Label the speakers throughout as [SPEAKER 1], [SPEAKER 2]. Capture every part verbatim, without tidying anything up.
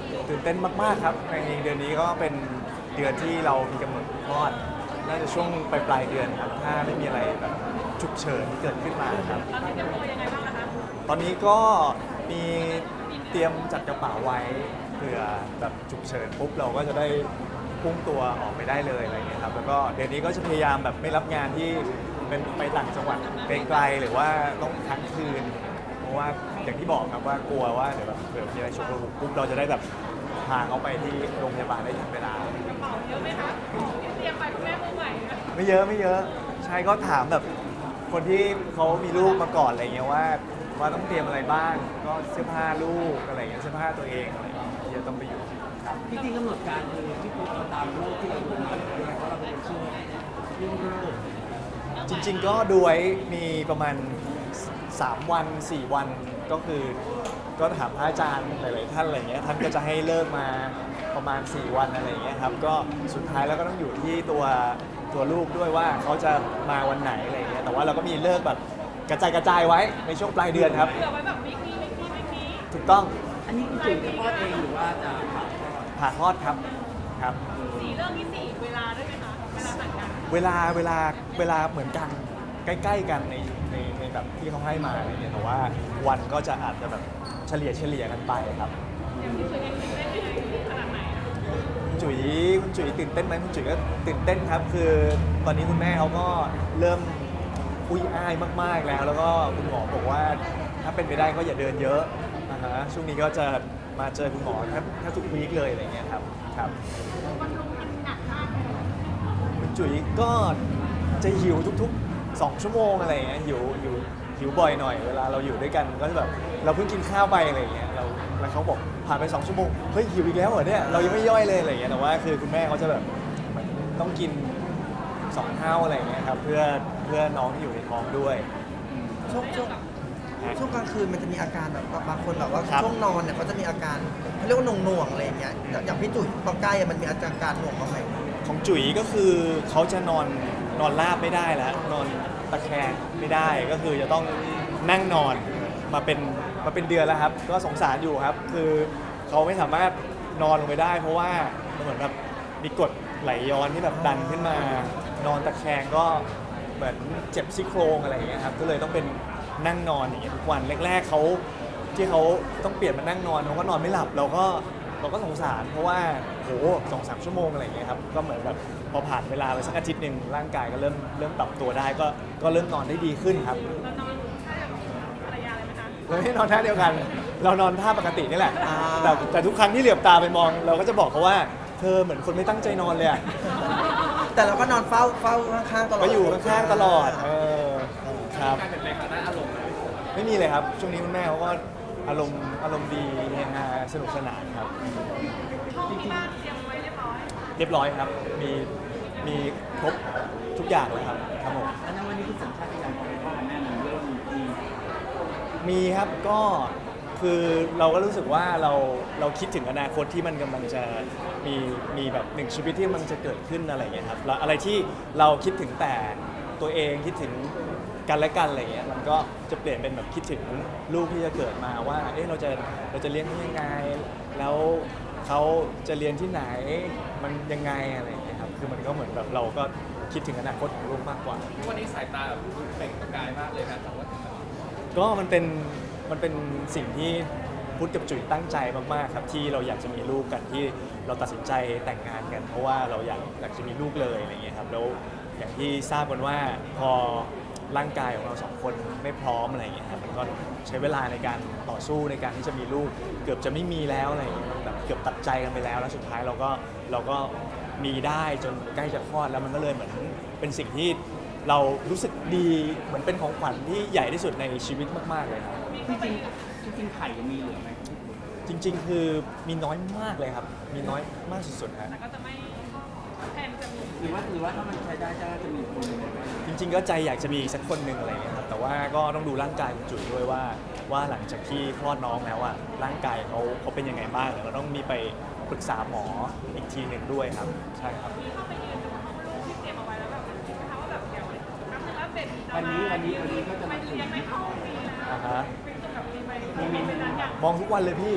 [SPEAKER 1] ตื่นเต้นมากๆครับในเดือนนี้ก็เป็นเดือนที่เรามีกำหนดคลอดน่าจะช่วงปลายปลายๆเดือนครับถ้าไม่มีอะไรแบบฉุกเฉินเกิดขึ้นมาครับ
[SPEAKER 2] ตอนนี้เตรียมตัวยังไงบ้างคะ
[SPEAKER 1] ตอนนี้ก็มีเตรียมจัดกระเป๋าไว้เผื่อแบบฉุกเฉินปุ๊บเราก็จะได้พุ่งตัวออกไปได้เลยอะไรเงี้ยครับแล้วก็เดือนนี้ก็จะพยายามแบบไม่รับงานที่เป็นไปต่างจังหวัดไกลๆหรือว่าต้องค้างคืน เพราะว่าอย่างที่บอกครับว่ากลัวว่าเดี๋ยวแบบเผื่อมีอะไรฉุกระหุกปุ๊บเราจะได้แบบพาเขาไปที่โรงพยาบาลได้ทันเวลา
[SPEAKER 2] กระเป๋าเยอะไหมคะที่เตรียมไปคุณแม่มือใหม่นะ
[SPEAKER 1] ไม่เยอะไม่เยอะใช่ก็ถามแบบคนที่เขามีลูกมาก่อนอะไรเงี้ยว่าว่าต้องเตรียมอะไรบ้างก็เสื้อผ้าลูกอะไรเงี้ยเสื้อผ้าตัวเองอะไรเงี้ยที่จะต้องไปอยู่ครับ
[SPEAKER 3] จริงๆกำหนดการคือที่ปุ๊บเราตามโลกที่เราดูมาเนี่ยเพราะเราเป็นช่วงเรื่องเลิก
[SPEAKER 1] จริงๆก็ดูไว้มีประมาณสามวันสี่วันก็คือก็ถามพระอาจารย์หลายๆท่านอะไรเงี้ยท่านก็จะให้เลิกมาประมาณสี่วันอะไรเงี้ยครับก็สุดท้ายแล้วก็ต้องอยู่ที่ตัวตัวลูกด้วยว่าเขาจะมาวันไหนอะไรเงี้ยแต่ว่าเราก็มีเลิกแบบกระจายกระจายไว้ในช่วงปลายเดือนครับ
[SPEAKER 2] เผื่อไว้แบบวิกนี้วิกนี้วิกนี้
[SPEAKER 1] ถูกต้อง
[SPEAKER 3] อันนี้คือจุ๋ยจะคลอดเองหรือว่าจะผ่าคลอด
[SPEAKER 1] ผ่าคลอดครับครับ
[SPEAKER 2] สี่เรื่องที่สี่เวลาด้วยไหมคะเวลาต่างกัน
[SPEAKER 1] เวลาเวลาเวลาเหมือนกันใกล้ๆกันในในในแบบที่เขาให้มาอะไรเงี้ยแต่ว่าวันก็จะอาจจะแบบเฉลี่ยเฉลี่ยกันไปครับ
[SPEAKER 2] อย่างที่เคยเห็นเล่นยังไงขนาดไหนอะ
[SPEAKER 1] คุณจุ๋ยคุณจุ๋ยตื่นเต้นไหมคุณจุ๋ยก็ตื่นเต้นครับ คือตอนนี้คุณแม่เขาก็เริ่มอุ้ยอ้ายมากๆแล้ว แล้วก็คุณหมอบอกว่าถ้าเป็นไปได้ก็อย่าเดินเยอะนะฮะช่วงนี้ก็จะมาเจอคุณหมอแทบแทบทุกวีคเลยอะไรเงี้ยครับครับ
[SPEAKER 2] มันลงมันหนักมากเลย
[SPEAKER 1] คุณจุ๋ยก็จะหิวทุกๆ สอง ชั่วโมงอะไรอย่างเงี้ยหิวหิวหิวบ่อยหน่อยเวลาเราอยู่ด้วยกันก็จะแบบเราเพิ่งกินข้าวไปอะไรอย่างเงี้ยเราแล้วเขาบอกผ่านไป สอง ชั่วโมงเฮ้ยหิวอีกแล้วเหรอเนี่ยเรายังไม่ย่อยเลยอะไรอย่างเงี้ยแต่ว่าคือคุณแม่เขาจะแบบเหมือนต้องกินสองเท่าอะไรอย่างเงี้ยครับเพื่อเพื่อน้องที่อยู่ในท้องด้วย
[SPEAKER 4] ช่วงช่วงช่วงกลางคืนมันจะมีอาการแบบบางคนแบบว่า
[SPEAKER 1] ครับ
[SPEAKER 4] ช่วงนอนเนี่ยเขาจะมีอาการเขาเรียกว่าหน่วงๆอะไรอย่างเงี้ยอย่างพี่จุ๋ยตอนใกล้อะมันมีอาการหน่วงบ้างไหม
[SPEAKER 1] ของจุ๋ยก็คือเขาจะนอนนอนราบไม่ได้แล้วนอนตะแคงไม่ได้ก็คือจะต้องนั่งนอนมาเป็นมาเป็นเดือนแล้วครับ ก็สงสารอยู่ครับ คือเขาไม่สามารถนอนลงไปได้ เพราะว่ามันเหมือนแบบมีกรดไหลย้อนที่แบบดันขึ้นมา นอนตะแคงก็เหมือนเจ็บซี่โครงอะไรอย่างเงี้ยครับก็เลยต้องเป็นนั่งนอนอย่างเงี้ยทุกวันแรกๆเขาที่เขาต้องเปลี่ยนมานั่งนอนเขาก็นอนไม่หลับเราก็ เราก็สงสารเพราะว่าโหสองสามชั่วโมงอะไรอย่างเงี้ยครับก็เหมือนแบบพอผ่านเวลาไปสักอาทิตย์หนึ่งร่างกายก็เริ่มเริ่มปรับตัวได้ก็ก็เริ่มนอนได้ดีขึ้นครับ
[SPEAKER 2] เรานอนท่าแบบภรรยาเลยไหมคะ
[SPEAKER 1] เราไม่ได้นอนท่าเดียวกัน เรานอนท่าปกตินี่แหละ
[SPEAKER 4] อ่า
[SPEAKER 1] แต่แต่ทุกครั้งที่เหลือบตาไปมอง เราก็จะบอกเขาว่าเธอเหมือนคนไม่ตั้งใจนอนเลยอะ
[SPEAKER 4] แต่เราก็นอนเฝ้าเฝ้าข้างๆตลอด
[SPEAKER 1] ก็อยู่ข้างๆตลอดเออครับ
[SPEAKER 3] การเปลี่ยนแปลงทางด้านอารมณ์นะ
[SPEAKER 1] ไม่มีเลยครับช่วงนี้คุณแม่เขาก็อารมณ์อารมณ์ดีเฮฮาสนุกสนานครับ
[SPEAKER 2] ห้องที่บ้านเตรียมไว้เรียบร้อย
[SPEAKER 1] เรียบร้อยครับ มี มีครบทุกอย่างเลยครับ ครับผม
[SPEAKER 3] อันนั้นวันนี้คือสัญชาตญาณของพ่อกับแม่มันเริ่มมี
[SPEAKER 1] มีครับ ก็คือเราก็รู้สึกว่าเราเราคิดถึงอนาคตที่มันกำลังจะมีมีแบบหนึ่งชีวิตที่มันจะเกิดขึ้นอะไรอย่างเงี้ยครับแล้วอะไรที่เราคิดถึงแต่ตัวเองคิดถึงกันและกันอะไรอย่างเงี้ยมันก็จะเปลี่ยนเป็นแบบคิดถึงลูกที่จะเกิดมาว่าเอ๊ะเราจะเราจะเลี้ยงเขายังไง แล้วเขาจะเรียนที่ไหนมันยังไงอะไรอย่างเงี้ยครับคือมันก็เหมือนแบบเราก็คิดถึงอนาคตของลูกมากกว่า
[SPEAKER 3] วันนี้สายตาแบบเปล่งประกายมากเลยนะแต่ว่า
[SPEAKER 1] ก็มันเป็นมันเป็นสิ่งที่พุทธกับจุ๋ยตั้งใจมากๆครับที่เราอยากจะมีลูกกันที่เราตัดสินใจแต่งงานกัน เพราะว่าเราอยากอยากจะมีลูกเลยอะไรอย่างเงี้ยครับแล้วอย่างที่ทราบกันว่าพอร่างกายของเราสองคนไม่พร้อมอะไรอย่างเงี้ยครับมันก็ใช้เวลาในการต่อสู้ในการที่จะมีลูก เกือบจะไม่มีแล้วอะไรอย่างเงี้ยแบบเกือบตัดใจกันไปแล้วแล้วสุดท้ายเราก็เราก็มีได้จนใกล้จะคลอดแล้วมันก็เลยเหมือนเป็นสิ่งที่เรารู้สึกดีเหมือนเป็นของขวัญที่ใหญ่ที่สุดในชีวิตมากๆเลยครับ
[SPEAKER 3] จริงๆจริงๆไข่ยังมีเหลือไหม
[SPEAKER 1] จริงๆ คือมีน้อยมากเลยครับ มีน้อยมากสุดๆฮะ
[SPEAKER 2] แต่ก็จะไม่แทนจะมี
[SPEAKER 3] หรือว่าหรือว่าถ้ามันใช้ได้จะจะมีคนไหม
[SPEAKER 1] จริงๆ ก็ใจอยากจะมีอีกสักคนหนึ่งอะไรอย่างเงี้ยครับ แต่ว่าก็ต้องดูร่างกายคุณจุ๋ยด้วยว่าว่าหลังจากที่คลอดน้องแล้วอะร่างกายเขาเขาเป็นยังไงบ้างเราต้องมีไปปรึกษาหมออีกทีหนึ่งด้วยครับ ใช่ครับ
[SPEAKER 2] มีเข้าไปยืนดูที่เตรียมเอาไว้แล้วแบบคิดไหมคะว่าแบบเดี๋ยวนับถือว่าเป็น
[SPEAKER 3] วันนี้วันนี้วันนี้ก็จะ
[SPEAKER 2] ไป
[SPEAKER 3] มาถึง
[SPEAKER 2] เรียนในห้องนี้นะ
[SPEAKER 1] อ่าฮะ
[SPEAKER 2] เป็นแบบมีไปมีไปนั้นอย่าง
[SPEAKER 1] มองทุกวันเลยพี่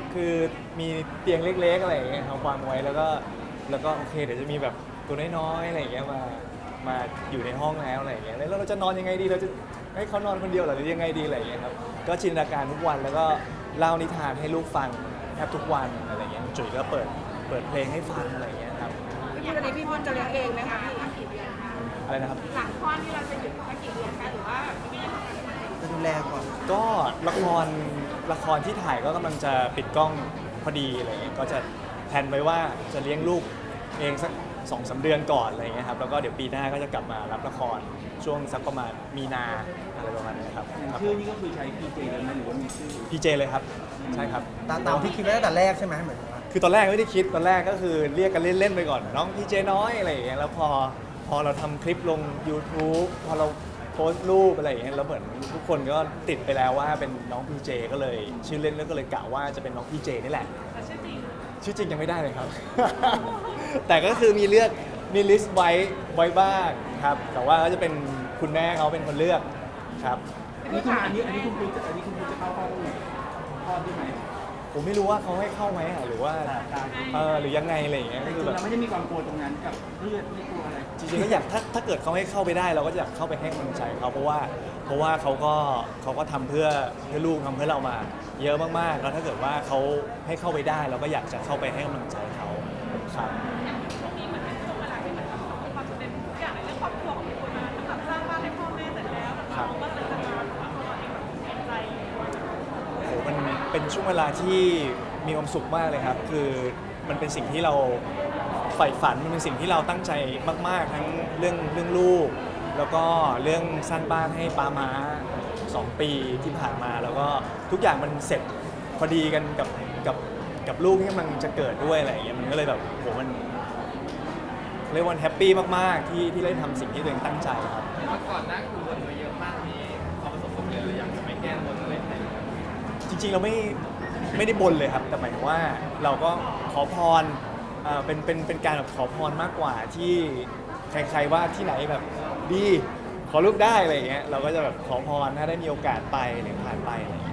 [SPEAKER 1] คือมีเตียงเล็กๆอะไรอย่างเงี้ยเขาวางไว้แล้วก็แล้วก็โอเคเดี๋ยวจะมีแบบตัวน้อยๆอะไรอย่างเงี้ยมามาอยู่ในห้องแล้วอะไรอย่างเงี้ยแล้วเราจะนอนยังไงดีเราจะให้เขานอนคนเดียวเหรอหรือยังไงดีอะไรอย่างเงี้ยครับก็จินตนาการทุกวันแล้วก็เล่านิทานให้ลูกฟังแทบทุกวันอะไรอย่างเงี้ยจุ๋ยก็เปิดเปิดเพลงให้ฟังอะไรอย่างเงี้ยครับ
[SPEAKER 2] พี่พุทธอันนี้พี่พุทธจะเลี้ยงเองไหมคะพี่
[SPEAKER 1] อะไรนะครับ
[SPEAKER 2] หลังคลอดนี่เราจะหยุดแค่กี่เดือนคะหรือว่าพี่ยังทำงาน
[SPEAKER 4] จะดูแลก่อน
[SPEAKER 1] ก็ละครละครที่ถ่ายก็กำลังจะปิดกล้องพอดีอะไรเงี้ยก็จะแพลนไว้ว่าจะเลี้ยงลูกเองสักสองสาเดือนก่อนอะไรเงี้ยครับแล้วก็เดี๋ยวปีหน้าก็จะกลับมารับละครช่วงสักประมาณมีนาอะไรประมาณนี้ครับ
[SPEAKER 3] อย่าง
[SPEAKER 1] ครับ
[SPEAKER 3] ชื่อนี่ก็คือใช้พีเจเลยไหมหรือว่ามีชื่อ
[SPEAKER 1] พีเจเลยครับใช่ครับ
[SPEAKER 4] ตามตามที่คิดไว้ตั้งแต่แรกใช่ไหมเหมือนว่า
[SPEAKER 1] คือตอนแรกไม่ได้คิดตอนแรกก็คือเรียกกันเล่นๆไปก่อนน้องพีเจน้อยอะไรอย่างเงี้ยแล้วพอพอเราทำคลิปลง YouTube พอเราโพสต์รูปอะไรอย่างเงี้ยแล้วเหมือนทุกคนก็ติดไปแล้วว่าเป็นน้องพีเจก็เลยชื่อเล่นแล้วก็เลยกะว่าจะเป็นน้องพีเจนี่แหละ
[SPEAKER 2] แต่ชื่อจริง
[SPEAKER 1] ชื่อจริงยังไม่ได้เลยครับ แต่ก็คือมีเลือกมีลิสต์ไว้ไว้บ้างครับ แต่ว่าก็จะเป็นคุณแม่เขาเป็นคนเลือกครับ
[SPEAKER 3] อันนี้คุณอันนี้อันนี้คุณพูดจะอันนี้คุณพูดจะเข้าห้องคลอดได้ไหม
[SPEAKER 1] ผมไม่รู้ว่าเขาให้เข้าไหมอะหรือว่า
[SPEAKER 3] การ
[SPEAKER 1] เออหรือยังไงอะไรอย่างเงี้ย
[SPEAKER 3] แต่
[SPEAKER 1] ก็
[SPEAKER 3] จ
[SPEAKER 1] คื
[SPEAKER 3] ริ
[SPEAKER 1] อง แบบ
[SPEAKER 3] เราไม่ได้มีความกลัวตรงนั้นกับเลือดไม่กลัวอะไร
[SPEAKER 1] จริงๆก็อยากถ้าถ้าเกิดเขาให้เข้าไปได้เราก็จะอยากเข้าไปให้กำลังใจเขาเพราะว่าเพราะว่าเขาก็เขาก็ทำเพื่อเพื่อลูกทำเพื่อเรามา เยอะมากๆแล้วถ้าเกิดว่าเขาให้เข้าไปได้เราก็อยากจะเข้าไปให้กำลังใจเขาครับ
[SPEAKER 2] ช่วงนี้เหมือนเป็นช่วงเวลาที่มันประสบความสำเร็จทุกอย่างในเรื่องครอบครัวของพี่พุทธมาทั้งแบบสร้างบ้านให้พ่อแม่เสร็จแล้วแล้วน้องก็เสร็จแล้วแล้วเขาเองแบบเสียใจ
[SPEAKER 1] โอ้โหมันเป็นช่วงเวลาที่มีความสุขมากเลยครับ คือมันเป็นสิ่งที่เราใฝ่ฝัน มันเป็นสิ่งที่เราตั้งใจมากๆ ทั้งเรื่องเรื่องลูก แล้วก็เรื่องสร้างบ้านให้ป้าม้าสองปีที่ผ่านมา แล้วก็ทุกอย่างมันเสร็จพอดีกันกับกับกับลูกที่กำลังจะเกิดด้วยอะไรอย่างเงี้ย มันก็เลยแบบโหมันเรียกว่าแฮปปี้มากๆ ที่ที่ได้ทำสิ่งที่ตัวเองตั้งใจครับ
[SPEAKER 5] ก่อนหน้าคือวนมาเยอะมากมีความประสบความสำเร็จหรืออยากจะไปแก้บนอะไรไหน
[SPEAKER 1] จริงๆ เราไม่ไม่ได้บนเลยครับ แต่หมายถึงว่าเราก็ขอพรเอ่อเป็นเป็นเป็นการแบบขอพรมากกว่าที่ใครๆว่าที่ไหนแบบดีขอลูกได้อะไรอย่างเงี้ยเราก็จะแบบขอพรถ้าได้มีโอกาสไปหรือผ่านไปอะไรอย่างเงี้ย